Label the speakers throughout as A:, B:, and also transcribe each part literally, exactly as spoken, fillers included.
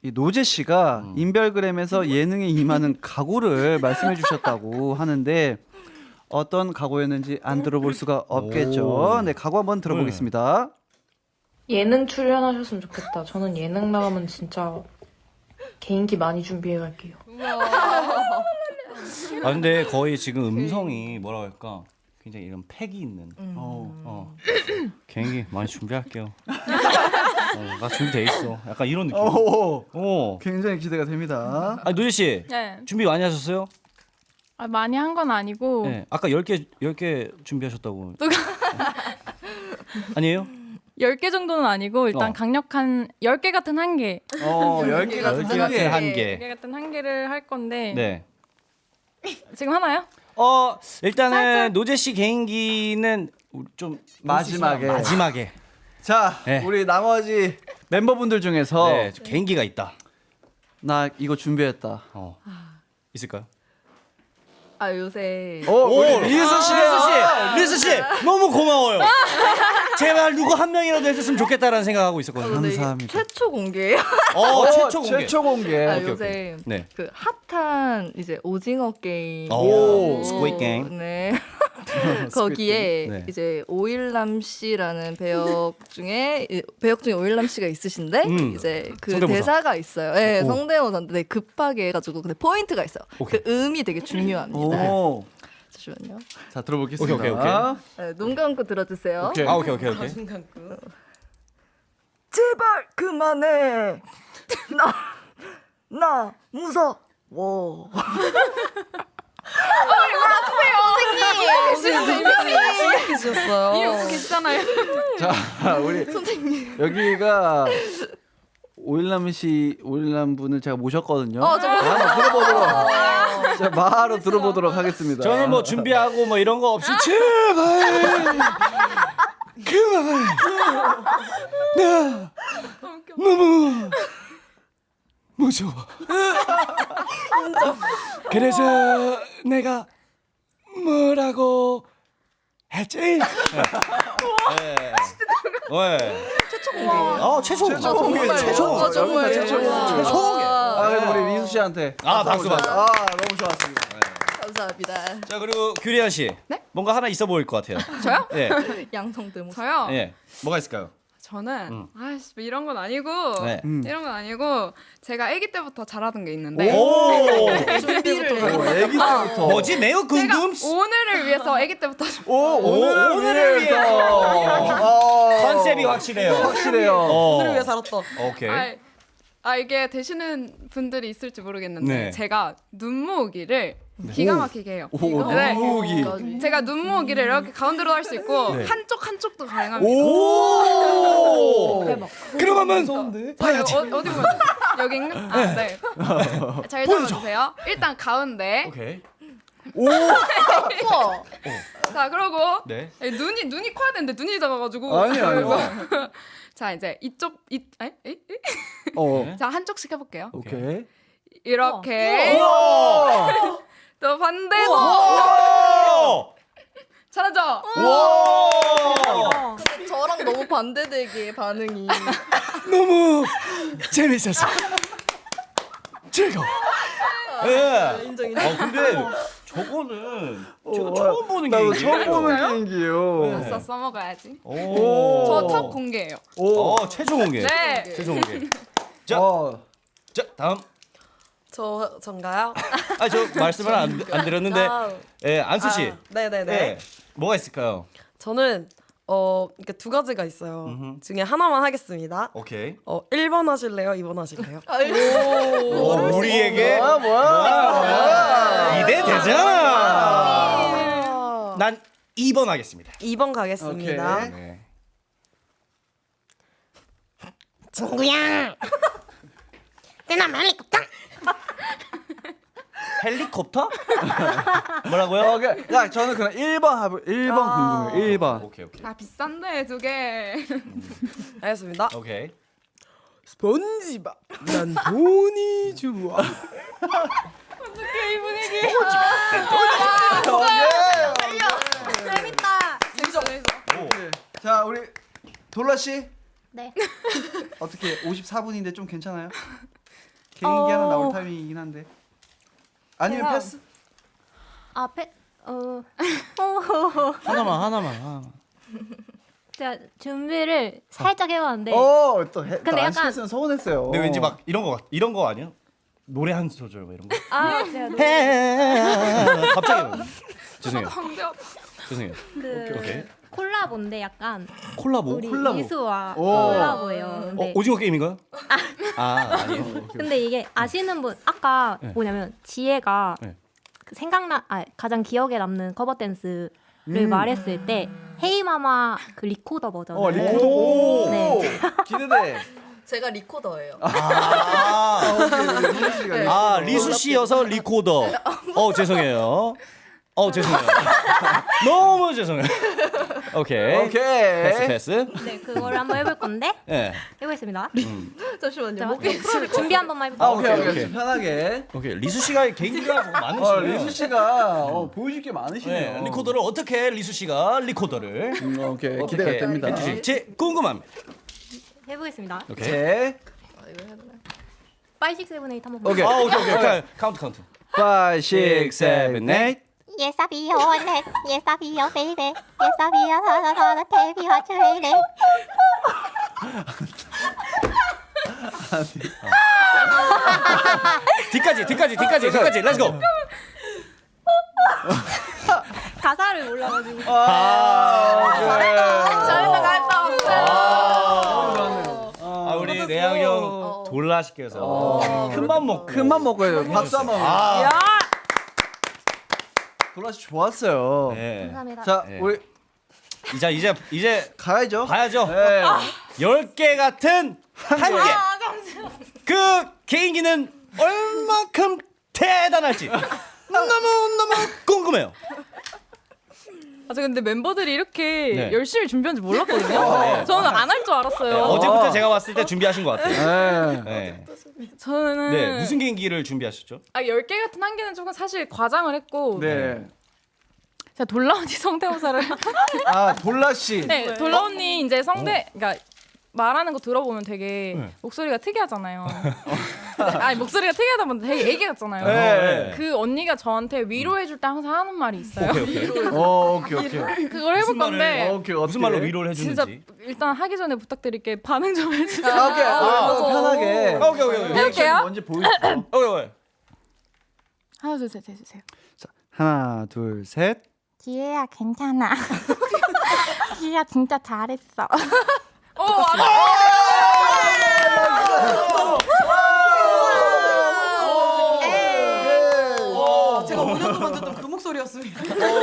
A: 이 노제 씨가
B: 음.
A: 인별그램에서 예능에 임하는 각오를 말씀해 주셨다고 하는데 어떤 각오였는지 안 들어볼 수가 없겠죠.
B: 오.
A: 네, 각오 한번 들어보겠습니다.
C: 예능 출연하셨으면 좋겠다. 저는 예능 나가면 진짜 개인기 많이 준비해 갈게요.
B: 아 근데 거의 지금 음성이 뭐라 할까 굉장히 이런 팩이 있는.
A: 어.
B: 어. 개인기 많이 준비할게요. 어, 나 준비돼 있어. 약간 이런 느낌.
A: 오,
B: 어.
A: 굉장히 기대가 됩니다.
B: 아 노재 씨
D: 네.
B: 준비 많이 하셨어요?
D: 아, 많이 한 건 아니고
B: 네. 아까 열 개 열 개 준비하셨다고. 아니에요?
D: 열 개 정도는 아니고 일단
B: 어.
D: 강력한 열 개 같은 한 개.
A: 어, 열 개 같은
B: 열 개
A: 한 개.
B: 같은 한
D: 열
B: 개.
D: 개 같은 한 개를 할 건데
B: 네.
D: 지금 하나요?
B: 어 일단은 노재 씨 개인기는 우리 좀
A: 마지막에.
B: 마지막에.
A: 자,
B: 네.
A: 우리 나머지 멤버분들 중에서
B: 네, 좀 개인기가 있다.
A: 나 이거 준비했다.
B: 어. 있을까요?
E: 아 요새
A: 오, 우리 리스 씨.
B: 리스 씨, 리스 씨 너무 고마워요. 제발 누구 한 명이라도 해줬으면 좋겠다라는 생각하고 있었거든요.
E: 오늘
A: 감사합니다.
E: 최초 공개예요.
B: 어,
A: 오,
B: 최초 공개.
A: 최초 공개.
E: 아,
B: 오케이,
E: 요새
B: 오케이. 네.
E: 그 핫한 이제 오징어 게임.
B: 오, 스퀴드 게임.
E: 네. 거기에
B: 네.
E: 이제 오일남 씨라는 배역 중에 이- 배역 중에 오일남 씨가 있으신데
B: 음.
E: 이제 그
B: 성대모사.
E: 대사가 있어요. 네,
B: 오.
E: 성대모사인데 네, 급하게 해가지고 근데 포인트가 있어요.
B: 오케이.
E: 그 음이 되게 중요합니다.
A: 오.
E: 잠시만요.
A: 자, 들어보겠습니다.
B: 오케이, 오케이, 오케이.
E: 네, 눈 감고 들어주세요.
A: 오케이.
B: 아 오케이 오케이 오케이.
E: 제발 그만해. 나, 나 무서워.
D: 이러고 계시잖아요.
A: 자, 우리 여기가 오일남 씨, 오일남 분을 제가 모셨거든요.
E: 어, 저
A: 한번 들어보도록. 자, 바로 들어보도록 하겠습니다.
B: 저는 뭐 준비하고 뭐 이런 거 없이 제발 그만 나 너무 무서워. 그래서 내가 뭐라고 했지? 네. 네. 최초 공개. 어 최초 공개.
A: 최초 공개.
E: 정말.
A: 최초 공개.
E: 아, 정말.
A: 여기가 최초 공개.
B: 최초 공개.
A: 아, 그래도 우리 민수 씨한테.
B: 아, 박수, 박수.
A: 아, 너무 좋았습니다.
E: 감사합니다.
B: 자 그리고 규리안 씨,
F: 네?
B: 뭔가 하나 있어 보일 것 같아요.
F: 저요?
B: 예,
E: 양성 대모.
F: 저요?
B: 예. 뭐가 있을까요?
F: 저는
B: 음.
F: 아이씨 뭐 이런 건 아니고
B: 네.
A: 음.
F: 이런 건 아니고 제가 아기 때부터 잘하던 게 있는데
B: 오,
E: 준비를
A: 오, 애기 때부터.
B: 뭐지? 매우
F: 제가
B: 궁금.
F: 오늘을 위해서 아기 때부터
A: 오, 오늘을,
B: 오늘을
A: 위해서. 어.
B: 컨셉이 확실해요.
A: 확실해요.
B: 어.
E: 오늘을 위해 살았다.
B: 오케이.
F: 아, 아 이게 되시는 분들이 있을지 모르겠는데
B: 네.
F: 제가 눈 모으기를 기가 막히게 해요.
A: 오,
F: 네.
A: 눈모으기.
F: 제가 눈 모으기를 이렇게 가운데로 할 수 있고
B: 네.
F: 한쪽 한쪽도 가능합니다.
B: 오. 그럼 한번
F: 자, 이거 어, 어디 보면 여긴가? 아, 네. 잘 잡아주세요. 일단 가운데.
B: 오케이.
E: 우와.
F: 자, 그러고
B: 네.
F: 눈이 눈이 커야 되는데 눈이 작아가지고.
A: 아니, 아니.
F: 자, 이제 이쪽 이 에? 에? 에?
A: 어.
F: 자, 한쪽씩 해볼게요.
A: 오케이.
F: 이렇게
A: 우와.
F: 또 반대도
B: 오!
F: 잘하죠?
B: 와!
E: 근데 저랑 너무 반대되기에 반응이.
B: 너무 재밌었어. 즐거워. 예.
E: 인정 인정.
B: 어 근데 저거는 제가
A: 어,
B: 처음 보는
A: 나도
B: 게
A: 처음 보는 게임기예요.
B: 네.
F: 써 써먹어야지.
B: 오.
F: 저 첫 공개예요.
A: 오.
B: 어 최종 공개.
F: 네.
B: 최종 공개. 자,
A: 어.
B: 자 다음.
G: 저 전가요?
B: 아 저 말씀을 안, 안 드렸는데,
G: 아,
B: 예 안수 씨.
G: 아, 네네네.
B: 예. 뭐가 있을까요?
G: 저는 어 이렇게 두 가지가 있어요.
B: 음흠.
G: 중에 하나만 하겠습니다.
B: 오케이.
G: 어 일 번 하실래요? 이 번 하실래요?
B: 오, 우리에게
A: 뭐야, 뭐야.
B: 기대 되잖아.
G: 아,
B: 난 이 번 하겠습니다.
G: 이 번 가겠습니다.
A: 오케이.
B: 네.
H: 친구야, 내나 헬리콥터.
B: 헬리콥터? 뭐라고요?
A: 어, 그, 야, 저는 그냥 일 번 하고 일 번
G: 아.
A: 궁금해요. 일 번.
B: 오케이 오케이.
F: 아 비싼데 두 개.
G: 알겠습니다.
B: 오케이.
G: 스펀지밥. 난 돈이 좋아.
F: 이 분위기.
E: 재밌다.
B: 오.
A: 자, 우리 돌라 씨.
H: 네.
A: 어떻게 오십사 분인데 좀 괜찮아요? 개인기 하나
F: 어.
A: 나올 타이밍이긴 한데. 아니면
F: 제가-
A: 패스?
F: 앞에 어
B: 하나만 하나만. 하나만.
F: 제가 준비를 살짝 해봤는데
A: 어, 또 해.
F: 근데
A: 근데
F: 약간-
A: 약간 서운했어요.
B: 근데 왠지 막 이런 거 같- 이런 거 아니야? 노래 한 소절 뭐 이런 거.
F: 아 제가 노래
B: 갑자기. 죄송해요. 죄송해요.
F: 그
B: 오케이.
F: 콜라보인데 약간
B: 콜라보.
F: 우리
A: 콜라보.
F: 이수와
A: 오.
F: 콜라보예요.
B: 어,
F: 근데
B: 오징어 게임인가요? 아 아니에요.
F: 근데 이게 아시는 분 아까
B: 네.
F: 뭐냐면 지혜가
B: 네.
F: 그 생각나 아 가장 기억에 남는 커버 댄스를
A: 음.
F: 말했을 때 헤이마마 그 리코더 버전.
A: 어, 리코더. 오.
F: 네.
A: 기대돼.
E: 제가 리코더예요.
B: 아,
A: 리수 씨가
E: 네.
B: 아 리수 씨여서 리코더. 어 죄송해요. 어 죄송해요. 너무 죄송해요. 오케이.
A: 오케이.
B: 패스 패스.
F: 네, 그거를 한번 해볼 건데
B: 예.
F: 해보겠습니다.
E: 잠시만요.
F: 자,
E: 목이
F: 준비 한 번만
A: 아,
F: 해볼게요.
A: 오케이, 오케이.
B: 오케이.
A: 좀 편하게.
B: 오케이. 리수 씨가 개인기가 뭐 많으시네요.
A: 어, 리수 씨가 어, 보여줄 게 많으시네요.
B: 네, 리코더를 어떻게 리수 씨가 리코더를
A: 음, 오케이.
B: 어떻게
A: 기대가 됩니다.
B: 해주실지 궁금합니다.
F: 해보겠습니다.
B: 오케이.
A: 제
E: 아, 이거 해야 되나?
F: 파이브, 식스, 세븐, 에잇 한번
A: 오케이.
B: 아 오케이 오케이. 오케이. 카운트 카운트.
A: five, six, seven, eight.
H: Yes, I'll be your net. Yes, I'll be your baby. Yes, I'll be your hot, hot, hot, baby, hot, lady.
B: 뒤까지 뒤까지 뒤까지 뒤까지. 렛츠고.
F: 가사를 몰라가지고.
A: 아,
E: 잘했다, 잘했다.
B: 아 우리 내양 형 돌라시께서 큰맘 먹고
A: 큰맘 먹어요. 박수 한번.
B: 아,
A: 돌아시 좋았어요.
B: 네.
F: 감사합니다.
A: 자,
B: 네.
A: 우리
B: 이제 이제 이제
A: 가야죠.
B: 가야죠.
A: 네.
B: 열 개 같은 한 개. 그 개인기는 얼만큼 대단할지 너무 너무 궁금해요.
D: 아, 저 근데 멤버들이 이렇게
B: 네.
D: 열심히 준비한 줄 몰랐거든요.
B: 네.
D: 저는 안 할 줄 알았어요.
B: 어제부터 제가 왔을 때 준비하신 것 같아요.
A: 네.
B: 네.
D: 저는
B: 네. 무슨 개인기를 준비하셨죠?
D: 아, 열 개 같은 한 개는 조금 사실 과장을 했고
A: 네.
D: 제가 돌라 언니 성대모사를
A: 아, 돌라 씨.
D: 네, 돌라 언니 이제 성대 그러니까 말하는 거 들어보면 되게
B: 네.
D: 목소리가 특이하잖아요. 아니 목소리가 특이하다 보면 되게 애기 같잖아요.
A: 네.
D: 그 언니가 저한테 위로해줄 때 항상 하는 말이 있어요.
B: 오케이 오케이.
A: 어, 오케이, 오케이.
D: 그걸 해볼
B: 무슨 말을-
D: 건데
A: 어, 오케이.
B: 무슨 말로 위로를
D: 진짜
B: 해주는지.
D: 일단 하기 전에 부탁드릴게 반응 좀 해주세요.
A: 아, 오케이.
B: 아,
A: 어, 편하게.
B: 오케이 오케이 오케이.
D: 해볼게요.
A: 뭔지 보여주세요.
B: 오케이 오케이.
D: 하나 둘 셋 해주세요.
A: 자, 하나, 둘, 셋.
H: 지혜야, 괜찮아. 지혜야, 진짜 잘했어.
D: 어, 아,
G: 제가 오 년 동안 듣던 그 목소리였습니다.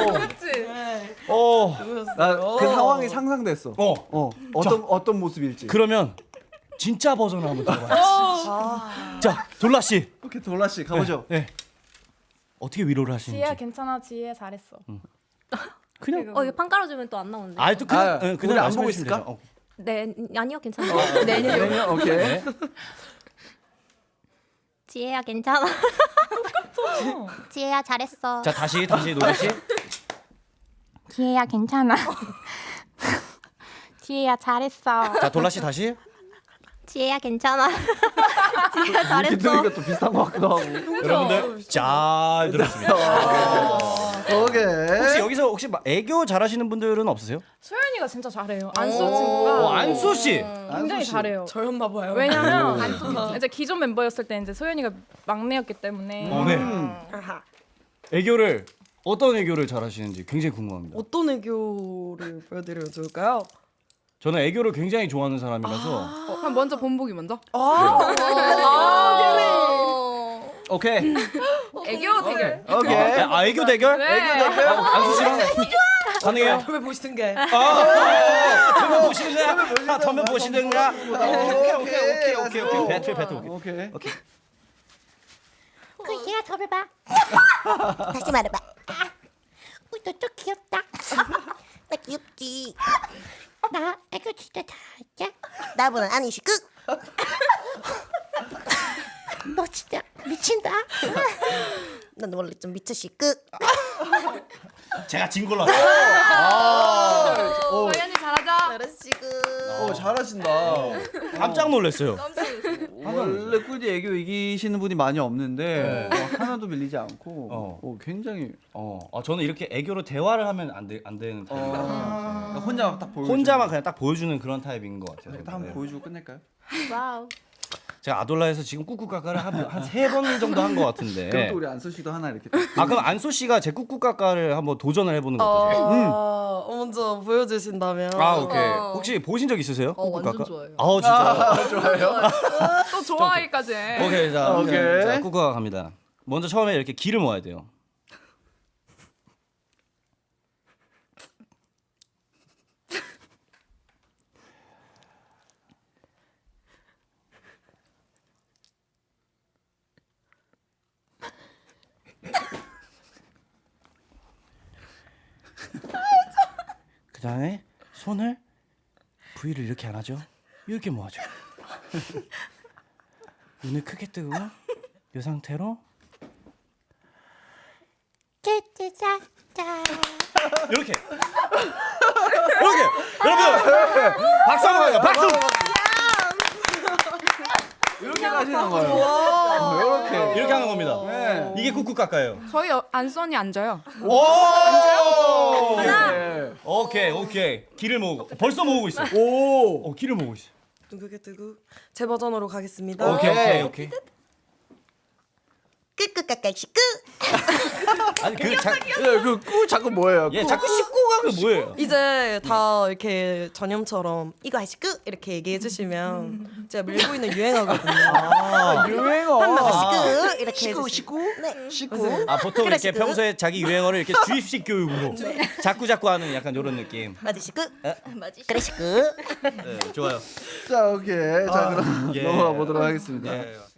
B: 어.
A: 나그 상황이 상상됐어.
B: 어.
A: 어, 어떤 어떤 모습일지.
B: 그러면 진짜 버전 한번 들어봐요. 자, 돌라 씨.
A: 오케이, 돌라 씨 가보죠.
B: 네. 어떻게 위로를 하시는지.
D: 지혜야 괜찮아, 지혜 잘했어.
B: 그냥
F: 어 이거 판 깔아주면 또 안 나오는데.
B: 아, 또 그냥
A: 아,
B: 응,
A: 우리
B: 그냥
A: 안 보고
B: 말씀해
A: 있을까?
B: 주시면 되죠. 어.
F: 네 아니요 괜찮아요. 네, 네.
A: 네, 오케이.
B: 네.
H: 지혜야, 괜찮아. 지혜야, 잘했어.
B: 자, 다시 다시 노래 씨.
H: 지혜야, 괜찮아. 지혜야, 잘했어.
B: 자, 돌라 씨 다시.
H: 지혜야, 괜찮아. 지혜야,
A: 이렇게
H: 잘했어.
A: 들으니까 또 비슷한 것 같기도 하고.
B: 여러분들 잘 들었습니다.
A: 오케이.
B: 혹시 여기서 혹시 막 애교 잘하시는 분들은 없으세요?
D: 소연이가 진짜 잘해요. 안소 친구가
B: 어, 안소 씨.
D: 굉장히 잘해요.
G: 저였나 봐요.
D: 왜냐면 이제 기존 멤버였을 때 이제 소연이가 막내였기 때문에
B: 어, 네.
G: 아하.
B: 애교를 어떤 애교를 잘하시는지 굉장히 궁금합니다.
G: 어떤 애교를 보여드려도 좋을까요?
B: 저는 애교를 굉장히 좋아하는 사람이라서
F: 아.
D: 그럼 먼저 본보기 먼저.
A: 오케이.
D: 애교 대결.
A: 오케이.
B: 아, 애교 대결?
D: 네.
B: 안수 씨랑 가능해요?
G: 처음에 보시던 게
B: 덤면 보시든가, 덤면 보시든가. 오케이, 오케이, 오케이, 오케이, 오케이. 배틀, 배틀. 오케이.
A: 오케이.
H: 그 지혜야, 저를 봐. 다시 말해봐. 어, 너좀 귀엽다. 나 귀엽지. 나 애교 진짜 잘했지? 나보다 아니시 끝. 너 진짜 미친다. 난 원래 좀 미쳤시 끝.
B: 제가 진 걸로 할게요.
E: 소연이 잘하자.
H: 잘했지 끝.
A: 오, 잘하신다.
B: 깜짝 놀랐어요.
A: 하나 원래 꿀디 애교 이기시는 분이 많이 없는데
B: 네.
A: 어, 하나도 밀리지 않고
B: 어.
A: 어, 굉장히
B: 어, 아, 저는 이렇게 애교로 대화를 하면 안, 되, 안 되는 타입이에요.
A: 어, 혼자 딱 보여.
B: 혼자만 그냥 딱 보여주는 그런 타입인 것 같아요.
A: 딱 한번
B: 네.
A: 보여주고 끝낼까요?
E: 와우.
B: 제가 아돌라에서 지금 꾹꾹까까를 한 세 번 정도 한 것 같은데.
A: 그럼 또 우리 안소 씨도 하나 이렇게.
B: 아 그럼 안소 씨가 제 꾹꾹까까를 한번 도전을 해보는 거
G: 어,
B: 어떠세요?
G: 먼저 보여주신다면.
B: 아 오케이.
E: 어.
B: 혹시 보신 적 있으세요?
E: 어, 완전
B: 꾹꾹까까?
E: 좋아요.
B: 아 진짜.
A: 좋아요.
D: 또 좋아하기까지 해.
B: 오케이 자,
A: 오케이.
B: 자 꾹꾹까 갑니다. 먼저 처음에 이렇게 기를 모아야 돼요. 그 다음에 손을 V를 이렇게 안 하죠? 이렇게 모아줘요. 눈을 크게 뜨고 이 상태로
H: 짜짜짜짜.
B: 이렇게 이렇게 여러분 박수 한번 가요. 박수.
A: 이렇게 하시는 거예요. 이렇게.
B: 이렇게 하는 겁니다.
A: 네.
B: 이게 꾹꾹까까예요.
D: 저희 어- 안선이 앉아요.
B: 오!
A: 네.
B: 오케이 오케이 기를 모으고 벌써 모으고 있어.
A: 오.
B: 어 기를 모으고 있어.
G: 두개 뜨고 제 버전으로 가겠습니다.
B: 오케이 오케이 오케이.
H: 끄끄까까시 끄.
B: 아니 그 자,
A: 그꾸 자꾸 뭐예요?
B: 얘 자꾸 씹고 가면 뭐예요?
G: 이제 다 이렇게 전염처럼 이거 하시 끄 이렇게 얘기해 주시면 제가 밀고 있는 유행어거든요.
B: 아,
A: 유행어.
H: 한 명씩 끄 이렇게
A: 시구
H: 해주세요.
A: 시구.
H: 네.
A: 시구.
B: 아 보통
H: 그래,
B: 이렇게
H: 그-
B: 평소에 자기 유행어를 이렇게 주입식 교육으로 자꾸 자꾸 하는 약간 이런 느낌.
H: 맞으시 끄.
E: 맞지?
H: 그래시 끄.
B: 네, 좋아요.
A: 자 오케이. 자 그럼
B: 예.
A: 넘어가 보도록 하겠습니다.
B: 예.